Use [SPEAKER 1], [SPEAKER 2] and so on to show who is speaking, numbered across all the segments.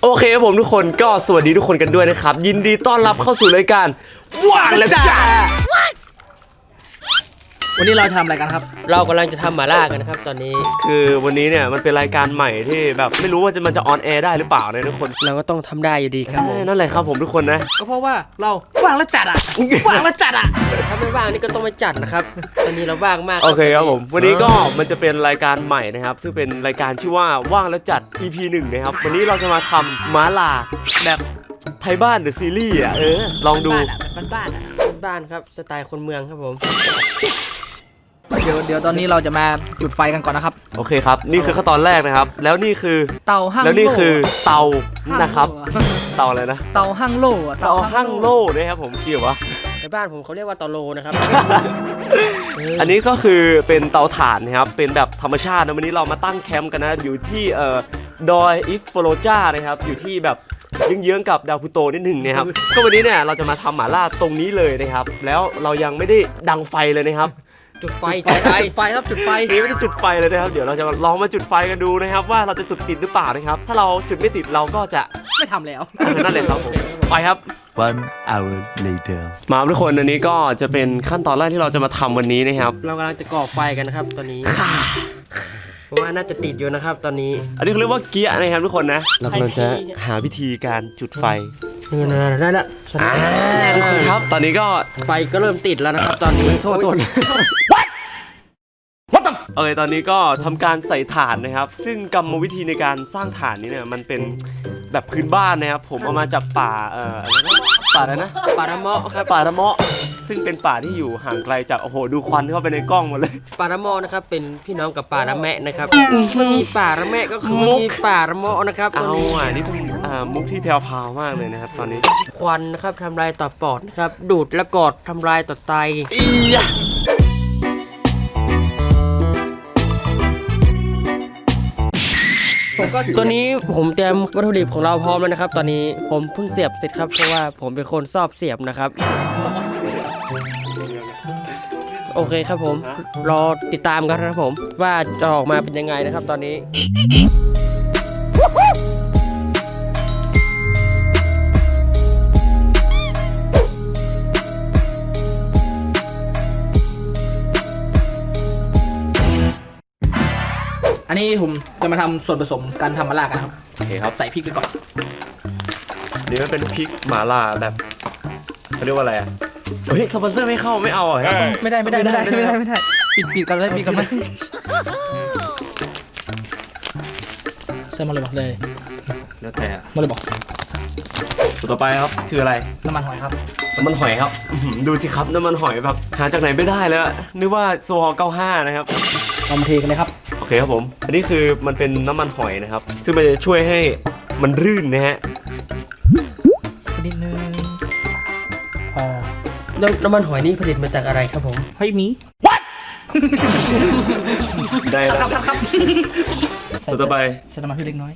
[SPEAKER 1] โอเคครับผมทุกคนก็สวัสดีทุกคนกันด้วยนะครับยินดีต้อนรับเข้าสู่รายการว่างแล้วจ้า
[SPEAKER 2] วันนี้เราทำอะไรกันครับ
[SPEAKER 3] เรากำลังจะทำหม่าล่ากันนะครับตอนนี้
[SPEAKER 1] คือวันนี้เนี่ยมันเป็นรายการใหม่ที่แบบไม่รู้ว่ามันจะออนแอร์ได้หรือเปล่านะทุกคน
[SPEAKER 3] เราก็ต้องทำได้อยู่ดีครับผม
[SPEAKER 1] นั่นแหละครับผมทุกคนนะ
[SPEAKER 2] ก็เพราะว่าเราว่างแล้วจัดอ่ะว่างแล้วจัดอ่ะ
[SPEAKER 3] ถ้าไม่ว่างนี่ก็ต้องไปจัดนะครับตอนนี้เราว่างมาก
[SPEAKER 1] โอเคครับผมวันนี้ก็มันจะเป็นรายการใหม่นะครับซึ่งเป็นรายการชื่อว่าว่างแล้วจัด EP 1นะครับวันนี้เราจะมาทำม้าลาแบบไทยบ้านเดอะซีรีส์ลองดู
[SPEAKER 3] บ้านครับสไตล์คนเมืองครับผม
[SPEAKER 2] เดี๋ยวตอนนี้เราจะมาจุดไฟกันก่อนนะครับ
[SPEAKER 1] โอเคครับนี่คือขั้นตอนแรกนะครับแล้วนี่คือ
[SPEAKER 2] เตาหั่งโล่
[SPEAKER 1] แล้วนี่คือเตานะครับเตาอะไรนะ
[SPEAKER 2] เตาหั่งโล่
[SPEAKER 1] เตาหั่งโล่นะครับผมเกี่ยววะ
[SPEAKER 3] ในบ้านผมเขาเรียกว่าเตาโลนะครับ
[SPEAKER 1] อันนี้ก็คือเป็นเตาถ่านนะครับเป็นแบบธรรมชาตินะวันนี้เรามาตั้งแคมป์กันนะอยู่ที่ดอยอิฟโฟโลจานะครับอยู่ที่แบบเยื้องๆกับดาวพูโตนิดหนึ่งนะครับก็วันนี้เนี่ยเราจะมาทำหม่าล่าตรงนี้เลยนะครับแล้วเรายังไม่ได้ดังไฟเลยนะครับ
[SPEAKER 3] จุดไฟ
[SPEAKER 2] ครับจุดไฟ
[SPEAKER 1] นี่ไม่ได้จุดไฟเลยนะครับเดี๋ยวเราจะลองมาจุดไฟกันดูนะครับว่าเราจะจุดติดหรือเปล่านะครับถ้าเราจุดไม่ติดเราก็จะ
[SPEAKER 2] ไม่ทำแล้ว
[SPEAKER 1] นั่นแหละครับผมไปครับ
[SPEAKER 4] 1 hour later
[SPEAKER 1] มาทุกคนอันนี้ก็จะเป็นขั้นตอนแรกที่เราจะมาทำวันนี้นะครับ
[SPEAKER 3] เรากำลังจะก่อไฟกันนะครับตอนนี้ผมว่าน่าจะติดอยู่นะครับตอนนี้
[SPEAKER 1] อันนี้เขาเรียกว่าเกียร์นะครับทุกคนนะเรากำลังจะหาวิธีการจุดไฟ
[SPEAKER 3] ได้ละ
[SPEAKER 1] ทุกคนครับตอนนี้ก็
[SPEAKER 3] ไฟก็เริ่มติดแล้วนะครับตอนนี้
[SPEAKER 1] โทษโอเคตอนนี้ก็ทำการใส่ถ่านนะครับซึ่งกรรมวิธีในการสร้างถ่านนี้เนี่ยมันเป็นแบบพื้นบ้านนะครับผมเอามาจากป่าอะไรนะ
[SPEAKER 3] ป่าระเมาะครับ
[SPEAKER 1] ป่าระเมาะซึ่งเป็นป่าที่อยู่ห่างไกลจากโอ้โหดูควันเข้าไปในกล้องหมดเลย
[SPEAKER 3] ป่าระเมาะนะครับเป็นพี่น้องกับป่าระแมะนะครับมันมีป่าระแมะก็คือมีป่าระเมาะนะครับ
[SPEAKER 1] เอานี่เป็นมุกที่แพรวๆมากเลยนะครับตอนนี้
[SPEAKER 3] ควันนะครับทำลายต่อปอดนะครับดูดและกอดทำลายต่อไตตัวนี้ผมเตรียมวัตถุดิบของเราพร้อมแล้วนะครับตอนนี้ผมเพิ่งเสียบเสร็จครับเพราะว่าผมเป็นคนชอบเสียบนะครับโอเคครับผมรอติดตามกันนะครับผมว่าจะออกมาเป็นยังไงนะครับตอนนี้
[SPEAKER 2] อันนี้ผมจะมาทำส่วนผสมการทำหม่าล่ากันครับ
[SPEAKER 1] โอเคครับ
[SPEAKER 2] ใส่พริกไปก่อน
[SPEAKER 1] นี่มันเป็นพริกหม่าล่าแบบเขาเรียกว่าอะไรเฮ้ยสปอนเซอร์ไม่เข้าไม่เอา
[SPEAKER 2] ไม่ได้ปิดกันเลยปิดกันเลยใส่มาเลยบอกเลย
[SPEAKER 1] แล้วแต่
[SPEAKER 2] มาเลยบอก
[SPEAKER 1] ตัวต่อไปครับคืออะไร
[SPEAKER 2] น้ำมันหอยครับ
[SPEAKER 1] น้ำมันหอยครับดูสิครับน้ำมันหอยแบบหาจากไหนไม่ได้แล้วนึกว่าโซฮอล์95นะครับ
[SPEAKER 2] เอามาเทกันเลยครับ
[SPEAKER 1] โอเคครับผมอันนี้คือมันเป็นน้ำมันหอยนะครับซึ่งมันจะช่วยให้มันรื่นนะฮะ
[SPEAKER 2] นิดนึงพอ
[SPEAKER 3] น้ำมันหอยนี่ผลิตมาจากอะไรครับผม
[SPEAKER 2] เฮ้ยมี
[SPEAKER 1] What ได้แล้ว
[SPEAKER 2] ครับ
[SPEAKER 1] ตัวต่อไป
[SPEAKER 2] ใส่น้ำมันพืชเล็กน้อย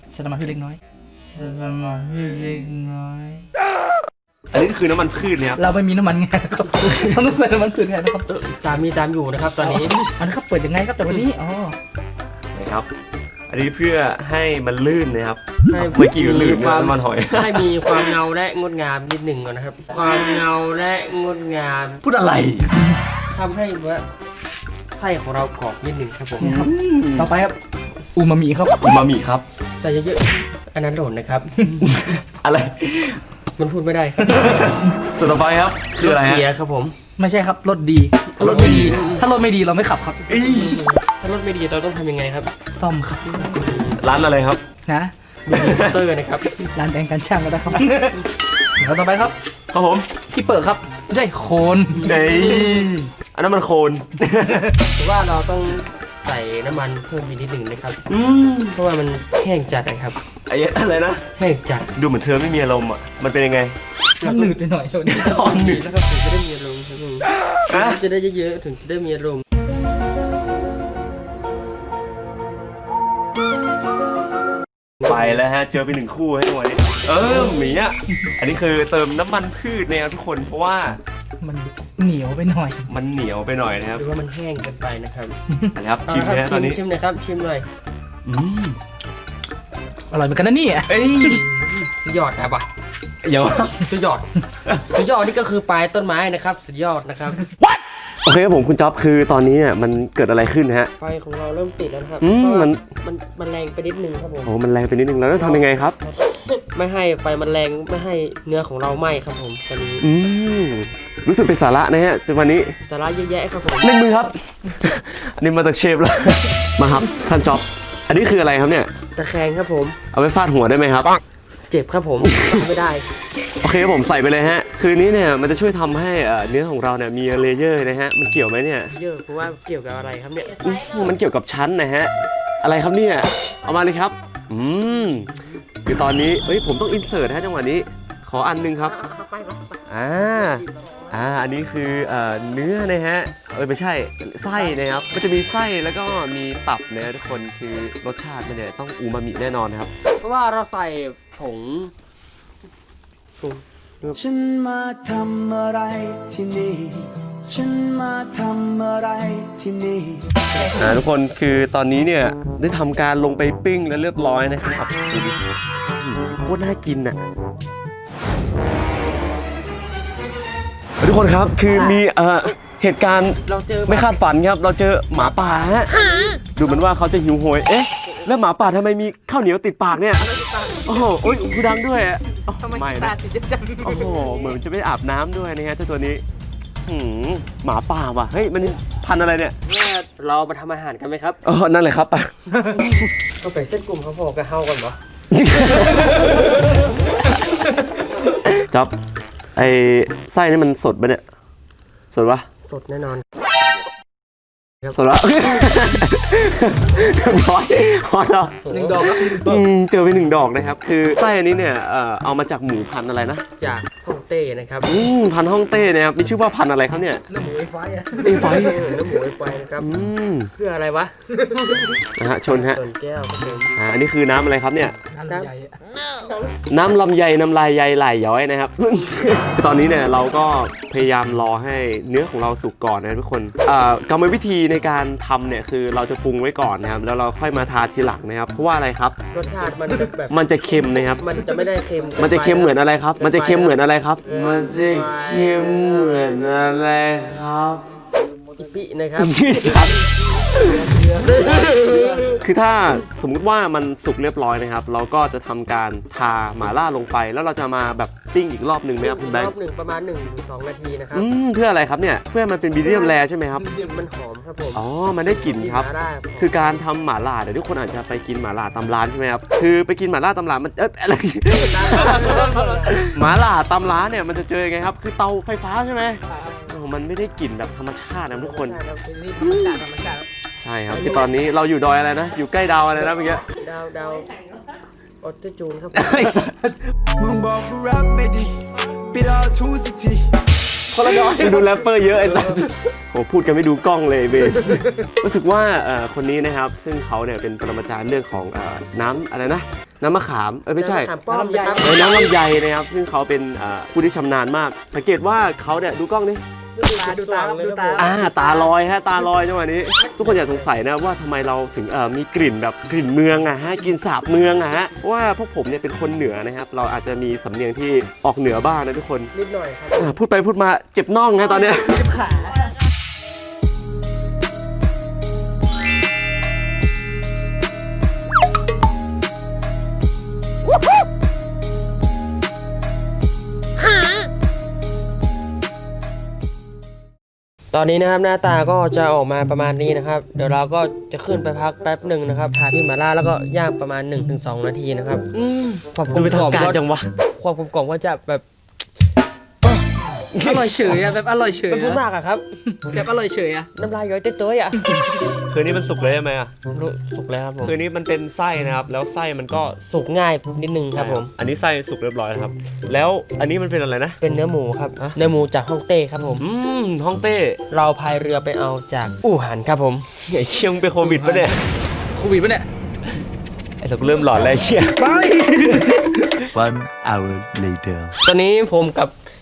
[SPEAKER 1] อันนี้คือน้ำมันพืชเนี่ย
[SPEAKER 2] เราไม่มีน้ำมันไงครับต้องใส่น้ำมันพืชแทนนะครับ
[SPEAKER 3] ตามอยู่นะครับตอนนี้
[SPEAKER 2] อันนี้ครับเปิดยังไงครับแต่วันนี้
[SPEAKER 1] นะครับอันนี้เพื่อให้มันลื่นนะครับเมื่อกี้ลื่นน้ำมันหอย
[SPEAKER 3] ให้มีความเงาและงดงามนิดหนึ่งก่อนนะครับความเงาและงดงาม
[SPEAKER 1] พูดอะไร
[SPEAKER 3] ทำให้ว่าไส้ของเรากรอบนิดหนึ่งครับผม
[SPEAKER 2] ต่อไปครับอูมามิครับ
[SPEAKER 3] ใส่เยอะๆอันนั้นหล่นนะครับ
[SPEAKER 1] อะไร
[SPEAKER 3] มันพูดไม่ได้ครับ
[SPEAKER 1] สุดต่อไปครับคืออะไรฮะ
[SPEAKER 3] ครับผม
[SPEAKER 2] ไม่ใช่ครับรถดีถ้ารถไม่ดีเราไม่ขับครับ
[SPEAKER 3] ถ้ารถไม่ดีเราต้องทำยังไงครับ
[SPEAKER 2] ซ่อมครับ
[SPEAKER 1] ร้านอะไรครับ
[SPEAKER 2] นะ
[SPEAKER 3] เตอร์นะครับ
[SPEAKER 2] ร้านแต่งกันช่างก็ได้ครับเดี๋ยวต่อไปครับ
[SPEAKER 1] ผม
[SPEAKER 2] ที่เปิดครับใช่โคน
[SPEAKER 1] อันนั้นมันโคน
[SPEAKER 3] แต่ว่าเราต้องใส่น้ำมันเพิ่มอีกนิดหนึ่งนะครับเพราะว่ามันแห้งจัดนะครับ
[SPEAKER 1] อะไรนะ
[SPEAKER 3] แห้งจัด
[SPEAKER 1] ดูเหมือนเธอไม่มีอารมณ์อ่ะมันเป็นยังไง
[SPEAKER 2] มันหนืดไปหน่อยช่วงนี้
[SPEAKER 3] หนืดนะครับถึงจะได้มีอารมณ์ครับผมจะได้เยอะๆถึงจะได้มีอารมณ์
[SPEAKER 1] ไปแล้วฮะเจอไป1คู่ให้วันนี้หมีอ่ะอันนี้คือเติมน้ำมันพืชเนี่ยทุกคนเพราะว่า
[SPEAKER 2] มันเหนียวไปหน่อย
[SPEAKER 1] นะครับ
[SPEAKER 3] หรือว่ามันแห้งเกินไปนะครับ
[SPEAKER 1] นะครับชิมนะตอนนี้
[SPEAKER 3] ชิมหน่อยครับชิมหน่อย
[SPEAKER 2] อร่อยเหมือนกันนะนี่
[SPEAKER 3] สุดยอดนะปะ
[SPEAKER 1] เดี๋ยว
[SPEAKER 3] สุดยอด สุดยอดนี่ก็คือปลายต้นไม้นะครับ สุดยอดนะครับ
[SPEAKER 1] โอเคครับผมคุณจ๊อบคือตอนนี้เนี่ยมันเกิดอะไรขึ้นฮะ
[SPEAKER 3] ไฟของเราเริ่มติดแล้วนะครับ
[SPEAKER 1] อืม
[SPEAKER 3] เพราะว่า
[SPEAKER 1] มัน
[SPEAKER 3] มันแรงไปนิดนึงครับผม
[SPEAKER 1] โอ้มันแรงไปนิดนึงแล้วต้องทำยังไงครับ
[SPEAKER 3] ไม่ให้ไฟมันแรงไม่ให้เนื้อของเราไหม้ครับผมตอนนี้
[SPEAKER 1] อืมรู้สึกเป็นสาระนะฮะจนวันนี้
[SPEAKER 3] สาระเยอะแยะครับผม
[SPEAKER 1] เล่นมือครับ นี่มาจากเชฟแล้ว มาครับท่านจ๊อบ อันนี้คืออะไรครับเนี่ย
[SPEAKER 3] ตะแคงครับผม
[SPEAKER 1] เอาไปฟาดหัวได้ไหมครับ
[SPEAKER 3] เจ็บครับผม ไม่ได้
[SPEAKER 1] โอเคครับผมใส่ไปเลยฮะ คืนนี้เนี่ยมันจะช่วยทำให้เนื้อของเราเนี่ยมีเลเยอร์นะฮะ มันเกี่ยวไหมเนี่ย
[SPEAKER 3] เยอะเพราะว่าเกี่ยวกับอะไรครับเนี่ย
[SPEAKER 1] มันเกี่ยวกับชั้นนะฮะ อะไรครับเนี่ย เอามาเลยครับ คือตอนนี้เอ้ยผมต้องอินเสิร์ตฮะจังหวะนี้ ขออันนึงครับ อันนี้คือเนื้อนะฮะ ไม่ใช่ไส้นะครับ มันจะมีไส้แล้วก็มีตับนะทุกคนคือรสชาติมันเนี่ยต้องอูมามิแน่นอนนะครับ
[SPEAKER 3] เพราะว่าเราใส่ผง
[SPEAKER 5] ฉันมาทำอะไรที่นี่ ฉันมาทำอะไรที่นี่
[SPEAKER 1] ทุกคนคือตอนนี้เนี่ยได้ทำการลงไปปิ้งแล้วเรียบร้อยนะครับดูดิโคตรน่ากินอ่ะทุกคนครับคือมีเหตุการณ์
[SPEAKER 3] เราเจอ
[SPEAKER 1] ไม่คาดฝันครับเราเจอหมาป่าฮะดูเหมือนว่าเขาจะหิวโหยเอ๊ะแล้วหมาป่าทำไมมีข้าวเหนียวติดปากเนี่ยโอ้โหโอ้ยกูดังด้วยอะไม่นะโอ้โหเหมือนจะไม่อาบน้ำด้วยนะฮะเจ้าตัวนี้หมาป่าว่ะเฮ้ยมันพันธุ์อะไรเนี่ย
[SPEAKER 3] เรามาทำอาหารกันไหมครับ
[SPEAKER 1] นั่นแหละครับ
[SPEAKER 3] ก็ไปเส้นกลุ่มเขาพอกับเฮากันเหรอ
[SPEAKER 1] จ๊อบไอ้ไส้นี่มันสดปะเนี่ยสดปะ
[SPEAKER 3] สดแน่นอน
[SPEAKER 1] สดปะร้อยพอแล้ว
[SPEAKER 2] 1 ดอกครับ
[SPEAKER 1] เจอไป1 ดอกนะครับคือไส้อันนี้เนี่ยเอามาจากหมูพันธุ์อะไรนะ
[SPEAKER 3] จากฮ่องเต้นะครับ
[SPEAKER 1] พันธุ์ฮ่องเต้นะครับมีชื่อว่าพันธุ์อะไรครับเนี่ย
[SPEAKER 2] น้ำหมูไอ้ไฟอะ
[SPEAKER 1] ไอ้ไฟ
[SPEAKER 3] เนื้อหมูไอไฟนะครับ เพื่ออะไรวะ
[SPEAKER 1] นะฮะชนฮะ
[SPEAKER 3] ส่วนแก้วครับผม
[SPEAKER 1] อันนี้คือน้ำอะไรครับเนี่ย
[SPEAKER 2] น้ำใหญ่อะ
[SPEAKER 1] น้ำลำไยน้ำลายใยไหลย้อยนะครับ ตอนนี้เนี่ยเราก็พยายามรอให้เนื้อของเราสุกก่อนนะทุกคนกรรมวิธีในการทำเนี่ยคือเราจะปรุงไว้ก่อนนะครับแล้วเราค่อยมาทาทีหลังนะครับเพราะว่าอะไรครับ
[SPEAKER 3] รสชาติมันแบบ
[SPEAKER 1] มันจะเค็มนะครับ
[SPEAKER 3] มันจะไม่ได้เค็ม
[SPEAKER 1] มันจะเค็มเหมือนอะไรครับ มันจะเค็มเหมือนอะไรครับ มันจะเค็มเหมือนอะไรครับ
[SPEAKER 3] อิปินะครับ
[SPEAKER 1] นี่สัตว์คือถ้าสมมุติว่ามันสุกเรียบร้อยนะครับ เราก็จะทำการทาหม่าล่าลงไป แล้วเราจะมาแบบปิ้งอีกรอบหนึ่งไหมครับคุณแบง
[SPEAKER 3] ร
[SPEAKER 1] ค์
[SPEAKER 3] อบหนึ่งประมาณ 1-2 นาทีนะครับ
[SPEAKER 1] เพื่ออะไรครับเนี่ย เพื่อมันเป็นมีเดียมแรใช่ไหมครับ
[SPEAKER 3] มันหอมครับผม
[SPEAKER 1] อ๋อ มันได้กลิ่นครับ
[SPEAKER 3] ได้
[SPEAKER 1] คือการทำหม่าล่าเดี๋ยวทุกคนอาจจะไปกินหม่าล่าตามร้านใช่ไหมครับ คือไปกินหม่าล่าตามร้านมันอะไร หม่าล่าตามร้านเนี่ยมันจะเจอยังไงครับ คือเตาไฟฟ้าใช่ไหมโอ้มันไม่ได้กลิ่นแบบธรรมชาตินะทุกคน
[SPEAKER 2] นี่ธรรมชาติธรรมชาติ
[SPEAKER 1] ใช่ครับคือตอนนี้เราอยู่ดอยอะไรนะ อยู่ใกล้ดาวอะไรนะเมื่อกี้
[SPEAKER 3] ดาวออโตจูนครับ
[SPEAKER 1] ไอ้สัส
[SPEAKER 5] มึงบอกกูรับไม่ดีปิดเอาทูสักที
[SPEAKER 1] คนละดอยดูแรปเปอร์เยอะไอ้สัสโอ้พูดกันไม่ดูกล้องเลยเบนรู้สึกว่าคนนี้นะครับซึ่งเขาเนี่ยเป็นปรมาจารย์เรื่องของน้ำอะไรนะน้ำมะขามไม่ใช่
[SPEAKER 3] น้ำมะขามป้อมนะครับ
[SPEAKER 1] น้ำลำไยนะครับซึ่งเขาเป็นผู้ที่ชำนาญมาก สังเกตว่าเขาเนี่ยดูกล้องนี่
[SPEAKER 2] ดูตาครับดูตา
[SPEAKER 1] ตาลอยฮะตาลอยจังหวะนี้ ทุกคนอย่าสงสัยนะว่าทำไมเราถึงมีกลิ่นแบบกลิ่นเมืองอะฮะกลิ่นสาบเมืองอะฮะเพราะว่าพวกผมเนี่ยเป็นคนเหนือนะครับเราอาจจะมีสำเนียงที่ออกเหนือบ้างนะทุกคน
[SPEAKER 3] นิดหน่อยครับ
[SPEAKER 1] พูดไปพูดมาเจ็บน่องนะตอนเนี้ย
[SPEAKER 3] ตอนนี้นะครับหน้าตาก็จะออกมาประมาณนี้นะครับ เดี๋ยวเราก็จะขึ้นไปพักแป๊บหนึ่งนะครับทาที่หม่าล่าแล้วก็ย่างประมาณ 1-2 นาทีนะครับความกล
[SPEAKER 1] ดู
[SPEAKER 3] ม
[SPEAKER 1] ไป
[SPEAKER 3] ก
[SPEAKER 1] ทา
[SPEAKER 3] ล่
[SPEAKER 1] ง
[SPEAKER 3] อม
[SPEAKER 1] การ
[SPEAKER 3] ก็
[SPEAKER 1] จังวะ
[SPEAKER 3] ความกลมกล่อมก็จะแบบ
[SPEAKER 2] อร่อยเฉยอะแบบอร่อยเฉย
[SPEAKER 3] มันพูด
[SPEAKER 2] อะ
[SPEAKER 3] มากอะครับ
[SPEAKER 2] แบบอร่อยเฉยอะ
[SPEAKER 3] น้ำลายย้อยเต้ยๆอะ
[SPEAKER 1] คืนนี้มันสุกเลยใช่ไหมอะ
[SPEAKER 3] สุกแล้วครับผม
[SPEAKER 1] คืนนี้มันเป็นไส้นะครับแล้วไส้มันก็
[SPEAKER 3] สุกง่ายนิดนึงครับผม
[SPEAKER 1] อันนี้ไส้สุกเรียบร้อยแล้วครับแล้วอันนี้มันเป็นอะไรนะ
[SPEAKER 3] เป็นเนื้อหมูครับ
[SPEAKER 1] ฮะ
[SPEAKER 3] เนื้อหมูจากฮ่องเต้ครับผม
[SPEAKER 1] ฮ่องเต้
[SPEAKER 3] เราพายเรือไปเอาจากอู่ฮั่นครับผม
[SPEAKER 1] ไอ้เชี่ยงเป็นโควิดปะเนี่ย
[SPEAKER 2] โควิดปะเนี่ย
[SPEAKER 1] ไอ้สักเริ่มหลอนแล้วไอ้เชี่ย
[SPEAKER 4] 1 hour later.
[SPEAKER 3] ตอนนี้ผมกับ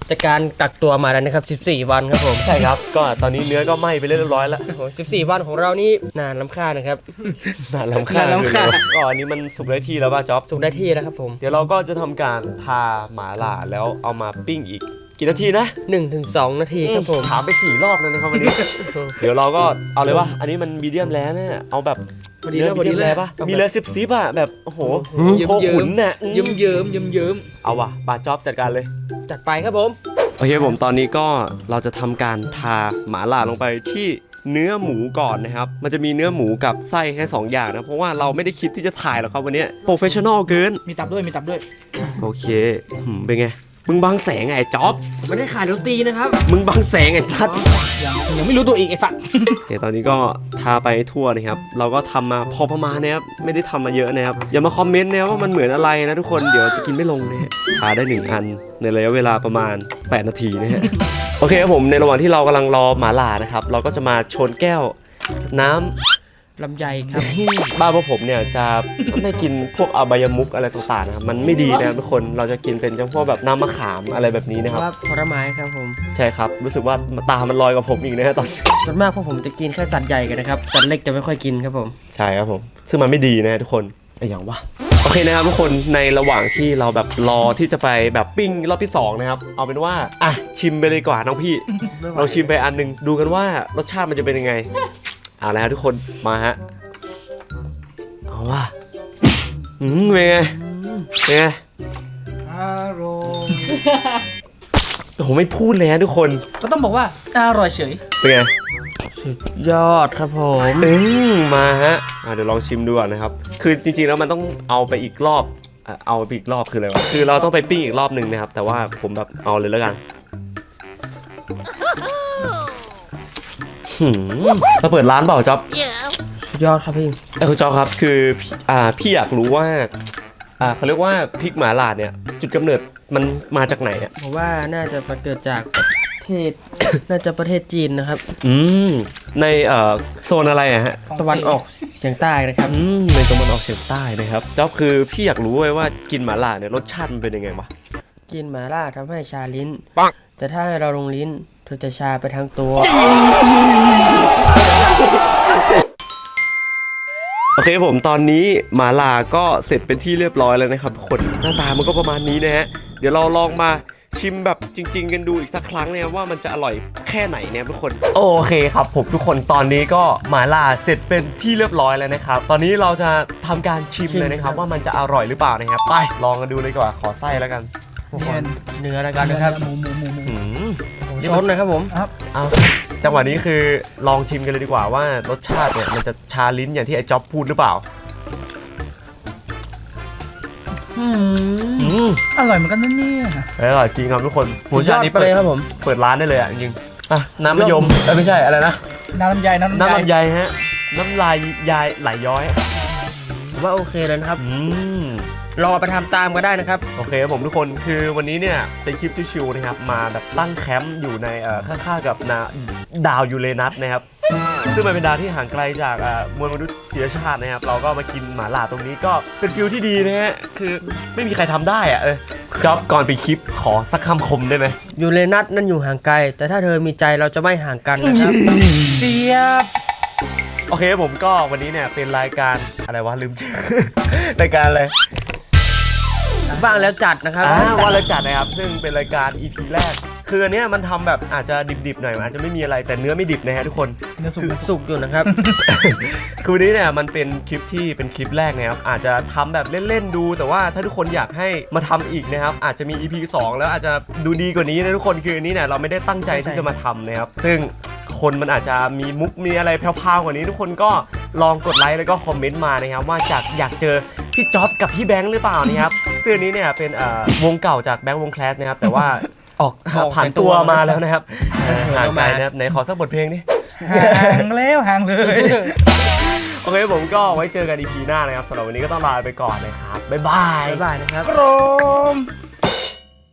[SPEAKER 3] จากการกักตัวมาแล้วนะครับ14 วันครับผม
[SPEAKER 1] ใช่ครับก็ตอนนี้เนื้อก็ไหม้ไปเรียบร้อยแล้ว
[SPEAKER 3] โอ้โห14 วันของเรานี่นานล้ำค่านะครับ
[SPEAKER 1] น่าลำคาญ
[SPEAKER 2] น่ารำคาญ
[SPEAKER 1] ก็อันนี้มันสุกได้ที่แล้วป่ะจ๊อบ
[SPEAKER 3] สุกได้ที่แล้วครับผม
[SPEAKER 1] เดี๋ยวเราก็จะทำการทาหมาล่าแล้วเอามาปิ้งอีกกี่นาทีนะ
[SPEAKER 3] 1-2 นาทีครับผม
[SPEAKER 1] ถามไป4 รอบแล้วนะครับวันนี้ เดี๋ยวเราก็เอาเลยว่าอันนี้มันมีเดียมแล้วเนี่ยเอาแบบ
[SPEAKER 2] พอดีแล้วพอดี
[SPEAKER 1] เนื้
[SPEAKER 2] เลย
[SPEAKER 1] ป่ะมีเลยซิบอ่ะแบบโอ้โห
[SPEAKER 2] เยิ้ม
[SPEAKER 1] โคขุนน่ะ
[SPEAKER 2] เยิ้มเยิ้มเยิ้มเยิ้ม
[SPEAKER 1] เอาว่ะปาจ๊อบจัดการเลย
[SPEAKER 3] จัดไปครับผม
[SPEAKER 1] โอเคผมตอนนี้ก็เราจะทำการทาหมาล่าลงไปที่เนื้อหมูก่อนนะครับมันจะมีเนื้อหมูกับไส้แค่2อย่างนะเพราะว่าเราไม่ได้คิดที่จะถ่ายหรอกครับวันนี้โปรเฟชชั่นอลเกิน
[SPEAKER 2] มีตับด้วยมีตับด้วย
[SPEAKER 1] โอเคเป็นไงมึงบังแสงไอ้จ๊อบ
[SPEAKER 3] ไม่ได้ขายโรตีนะครับ
[SPEAKER 1] มึงบังแสงไอ้สัตว์
[SPEAKER 2] ยังไม่รู้ตัวอีกไอ้สัตว์
[SPEAKER 1] โอเคตอนนี้ก็ทาไปทั่วนะครับเราก็ทำมาพอประมาณนะครับไม่ได้ทำมาเยอะนะครับอย่ามาคอมเมนต์นะว่ามันเหมือนอะไรนะทุกคนเดี๋ยวจะกินไม่ลงนะฮะทาได้1 อันในระยะเวลาประมาณ8 นาทีนะฮะ โอเคครับผมในระหว่างที่เรากำลังรอหมาล่านะครับเราก็จะมาชนแก้วน้ำ
[SPEAKER 3] ลำไยครับ
[SPEAKER 1] บ้านพวกผมเนี่ยจะไม่กินพวกอบายมุกอะไรต่างๆนะครับมันไม่ดีนะครับทุกคนเราจะกินเป็นเฉพาะแบบน้ำมะขามอะไรแบบนี้นะครับ
[SPEAKER 3] ว่าผลไม้ครับผม
[SPEAKER 1] ใช่ครับรู้สึกว่าตามันลอยกับผมอีกนะฮะตอน
[SPEAKER 3] ส่วนมากพวกผมจะกินแค่สัตว์ใหญ่กันนะครับสัตว์เล็กจะไม่ค่อยกินครับผม
[SPEAKER 1] ใช่ครับผมซึ่งมันไม่ดีนะฮะทุกคนไอ้อย่างวะโอเคนะครับทุกคนในระหว่างที่เราแบบรอที่จะไปแบบปิ้งรอบที่2นะครับเอาเป็นว่าอ่ะชิมไปเลยดีกว่าน้องพี่เราชิมไปอันหนึงดูกันว่ารสชาติมันจะเป็นยังไงเอาละครับทุกคนมาฮะเอาว่ะเป็นไงเป็นไง
[SPEAKER 5] อารมณ์
[SPEAKER 1] โอ้โหไม่พูดเลยฮะทุกคน
[SPEAKER 2] ก็ต้องบอกว่าอร่อยเฉย
[SPEAKER 1] เป็นไง
[SPEAKER 3] ยอดครับผม
[SPEAKER 1] มาฮะเดี๋ยวลองชิมดูก่อนนะครับคือจริงๆแล้วมันต้องเอาไปอีกรอบเอาไปอีกรอบคืออะไรวะคือเราต้องไปปิ้งอีกรอบหนึ่งนะครับแต่ว่าผมแบบเอาเลยแล้วกันเราเปิดร้านเปล่าจ๊อบ
[SPEAKER 3] สุดยอดครับพี่
[SPEAKER 1] คุณจ๊อบครับคือพี่อยากรู้ว่าเขาเรียกว่าพริกหม่าล่าเนี่ยจุดกำเนิดมันมาจากไหนอ่ะ
[SPEAKER 3] ผมว่าน่าจะมาเกิดจากประเทศ น่าจะประเทศจีนนะครับ
[SPEAKER 1] ในโซนอะไรอะฮะ
[SPEAKER 3] ตะวันออกเฉียงใต้นะครับ
[SPEAKER 1] ในตะวันออกเฉียงใต้นะครับจ๊อบคือพี่อยากรู้ไว้ว่ากินหม่าล่าเนี่ยรสชาติมันเป็นยังไงวะ
[SPEAKER 3] กินหมาล่าทำให้ชาลิ้น แต่ถ้าให้เราลงลิ้นเธอจะชาไปทั้งตัว
[SPEAKER 1] โอเคผมตอนนี้หมาล่าก็เสร็จเป็นที่เรียบร้อยแล้วนะครับทุกคนหน้าตามันก็ประมาณนี้นะฮะเดี๋ยวเราลองมาชิมแบบจริง ๆ กันดูอีกสักครั้งนะครับว่ามันจะอร่อยแค่ไหนเนี่ยทุกคนโอเคครับผมทุกคนตอนนี้ก็หมาล่าเสร็จเป็นที่เรียบร้อยแล้วนะครับตอนนี้เราจะทำการชิมเลยนะครับว่ามันจะอร่อยหรือเปล่านะครับไปลองกันดูเลยดีกว่าขอไส้แล้วกัน
[SPEAKER 3] เนื้อแล้วกันนะครับ
[SPEAKER 2] หมู
[SPEAKER 3] ซดนะครับผม
[SPEAKER 1] เอาจังหวะนี้คือลองชิมกันเลยดีกว่าว่ารสชาติเนี่ยมันจะชาลิ้นอย่างที่ไอ้จ๊อบพูดหรือเปล่า
[SPEAKER 2] อร่อยเหมือนกันนะเนี่ย
[SPEAKER 1] อร่อยจริงครับทุกคน
[SPEAKER 3] สุดยอดไปเลยครับผม
[SPEAKER 1] เปิดร้านได้เลยอ่ะจริงอ่ะน้ำมะยมไม่ใช่อะไรนะ
[SPEAKER 2] น้ำลำไยน้ำ
[SPEAKER 1] น้ำ
[SPEAKER 2] ลำ
[SPEAKER 1] ลำ
[SPEAKER 2] ไย
[SPEAKER 1] ไยฮะน้ำลายยายไหลย้อย
[SPEAKER 3] ผมว่าโอเคเลยนะครับ
[SPEAKER 1] ม
[SPEAKER 3] รอไปทำตามก็ได้นะครับ
[SPEAKER 1] โอเคครับผมทุกคนคือวันนี้เนี่ยเป็นคลิปชิวๆนะครับมาแบบตั้งแคมป์อยู่ในข้างๆกับดาวยูเรนัสนะครับซึ่งมันเป็นดาวที่ห่างไกลจากมวลมนุษยชาตินะครับเราก็มากินหม่าล่าตรงนี้ก็เป็นฟิลที่ดีนะฮะคือไม่มีใครทำได้อ่ะจ๊อบก่อนไปคลิปขอสักคำคมได้ไหม
[SPEAKER 3] ยูเรนัสนั่นอยู่ห่างไกล แต่ถ้าเธอมีใจเราจะไม่ห่างกันนะครับ
[SPEAKER 2] เชียบ
[SPEAKER 1] โอเคผมก็วันนี้เนี่ยเป็นรายการอะไรวะลืม ชื่อ รายการอะไร
[SPEAKER 3] ว่างแล้วจัดนะครับ
[SPEAKER 1] ว่าแล้วจัดนะครับซึ่งเป็นรายการ EP แรกคืออันเนี้ยมันทำแบบอาจจะดิบๆหน่อยมันอาจจะไม่มีอะไรแต่เนื้อไม่ดิบนะฮะทุกคน
[SPEAKER 2] เนื้อสุก
[SPEAKER 3] สุกอยู่นะครับ
[SPEAKER 1] คือวันนี้เนี่ยมันเป็นคลิปที่เป็นคลิปแรกนะครับอาจจะทำแบบเล่นๆดูแต่ว่าถ้าทุกคนอยากให้มาทำอีกนะครับอาจจะมี EP 2 แล้วอาจจะดูดีกว่านี้นะทุกคนคืออันนี้เนี่ยเราไม่ได้ตั้งใจที่จะมาทำนะครับซึ่งคนมันอาจจะมีมุกมีอะไรแพรวๆกว่านี้ทุกคนก็ลองกดไลค์แล้วก็คอมเมนต์มานะครับว่าอยากเจอพี่จ๊อบกับพี่แบงค์หรือเปล่านะครับซึ่งอันนี้เนี่ยเป็นวงเก่าจากแบงค์วงแคลสนะครับแต่ว่าออกผ่านตัวมาแล้วนะครับห่างไกลนะครับไหนขอสักบทเพลงดิ
[SPEAKER 2] ห่างแล้วห่างเลย
[SPEAKER 1] โอเคผมก็ไว้เจอกัน EP หน้านะครับสำหรับวันนี้ก็ต้องลาไปก่อนนะครับบ๊ายบาย
[SPEAKER 3] บ๊ายบายนะครับ
[SPEAKER 2] โรม